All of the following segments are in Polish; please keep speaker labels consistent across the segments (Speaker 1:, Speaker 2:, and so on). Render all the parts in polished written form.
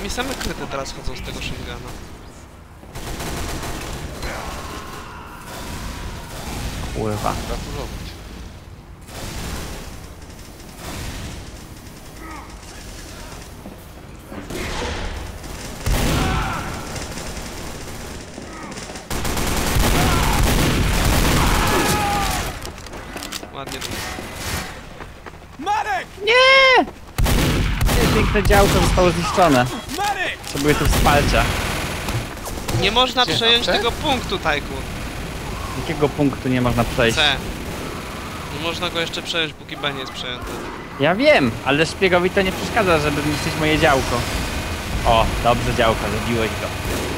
Speaker 1: Mi same kryty teraz chodzą z tego shotguna.
Speaker 2: Kurwa.
Speaker 3: Gratuluję.
Speaker 1: Ładnie to.
Speaker 2: Nie! Piękne działko zostało zniszczone. Potrzebuję tu wsparcia.
Speaker 1: Nie można
Speaker 3: Gdzie?
Speaker 1: przejąć
Speaker 3: C?
Speaker 1: tego punktu, Tajkun.
Speaker 2: Jakiego punktu nie można przejść?
Speaker 1: C. Nie można go jeszcze przejąć, póki B nie jest przejęty.
Speaker 2: Ja wiem, ale szpiegowi to nie przeszkadza, żeby niszczyć moje działko. O, dobrze działko, zabiłeś go.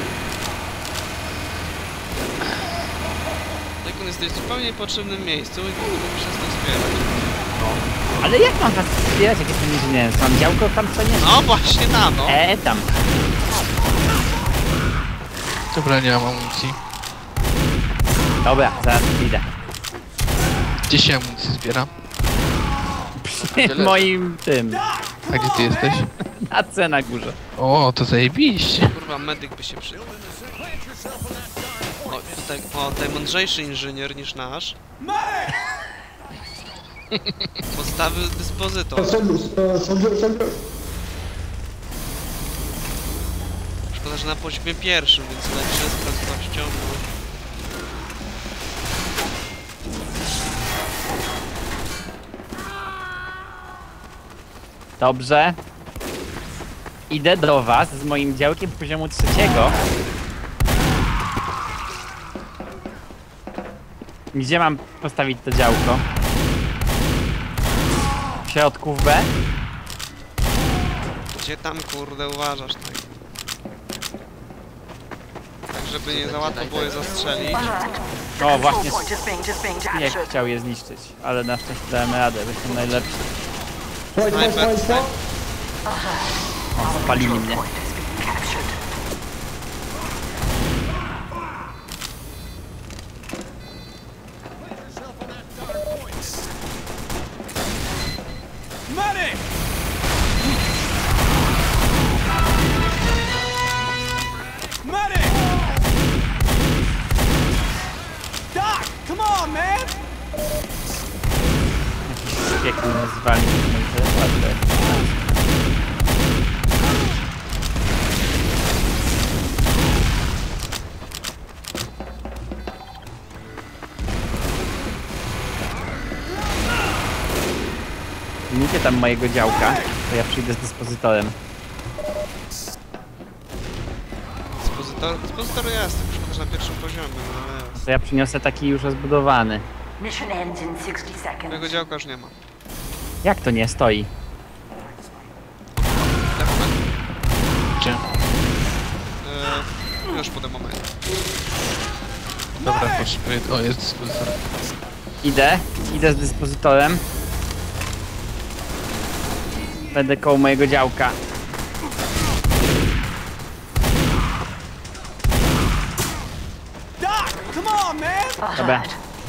Speaker 1: Tajkun, jesteś w zupełnie niepotrzebnym miejscu i mógłbyś się stąd zbierać.
Speaker 2: Ale jak mam was wspierać, jak jestem inżynierem? Mam działko tam co nie?
Speaker 1: No właśnie tam, no.
Speaker 2: Tam.
Speaker 3: Dobra, nie mam amunicji.
Speaker 2: Dobra, zaraz idę.
Speaker 3: Gdzie się amunicję zbiera?
Speaker 2: Przy moim tym.
Speaker 3: A gdzie ty jesteś?
Speaker 2: Na C na górze.
Speaker 3: O, to zajebiście.
Speaker 1: Kurwa, medyk by się przydał. O, tutaj mądrzejszy inżynier niż nasz. Podstawy dyspozytor. Szkoda, że na poziomie pierwszym, więc lepsze z prędkością.
Speaker 2: Dobrze. Idę do was z moim działkiem poziomu 3. Gdzie mam postawić to działko? W środku w B?
Speaker 1: Gdzie tam, kurde, uważasz, tak? Tak, żeby nie za łatwo było je zastrzelić.
Speaker 2: O, właśnie. Jak chciał je zniszczyć, ale na szczęście dałem radę, bo jestem najlepszy.
Speaker 1: Snajper.
Speaker 2: O, spalili mnie. Jakiś mnie zwalił mój teleport. Miejcie tam mojego działka, to ja przyjdę z dyspozytorem.
Speaker 1: Dyspozytor jest, tylko szkoda, że na pierwszym poziomie, no ale jest.
Speaker 2: To ja przyniosę taki już rozbudowany.
Speaker 1: Tego działka już nie ma.
Speaker 2: Jak to nie stoi?
Speaker 3: Gdzie?
Speaker 1: Już po tym momencie.
Speaker 3: Dobra, potrzebuję... O, jest dyspozytor.
Speaker 2: Idę z dyspozytorem. Będę koło mojego działka. Dobra.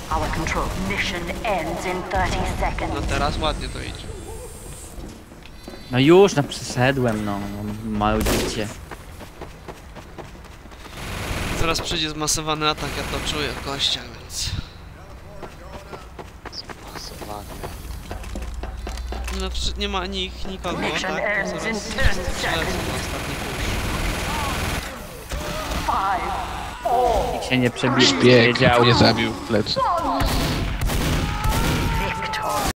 Speaker 1: No teraz ładnie to idzie.
Speaker 2: No już, no przeszedłem, no. Maludzicie.
Speaker 1: Zaraz przyjdzie zmasowany atak, ja to czuję w kościach, więc... No nie ma nikogo, tak? No, zaraz przelecą na ostatni push.
Speaker 2: Nikt się nie przebije,
Speaker 3: Szpieg
Speaker 2: wiedział.
Speaker 3: mnie zabił w plecy.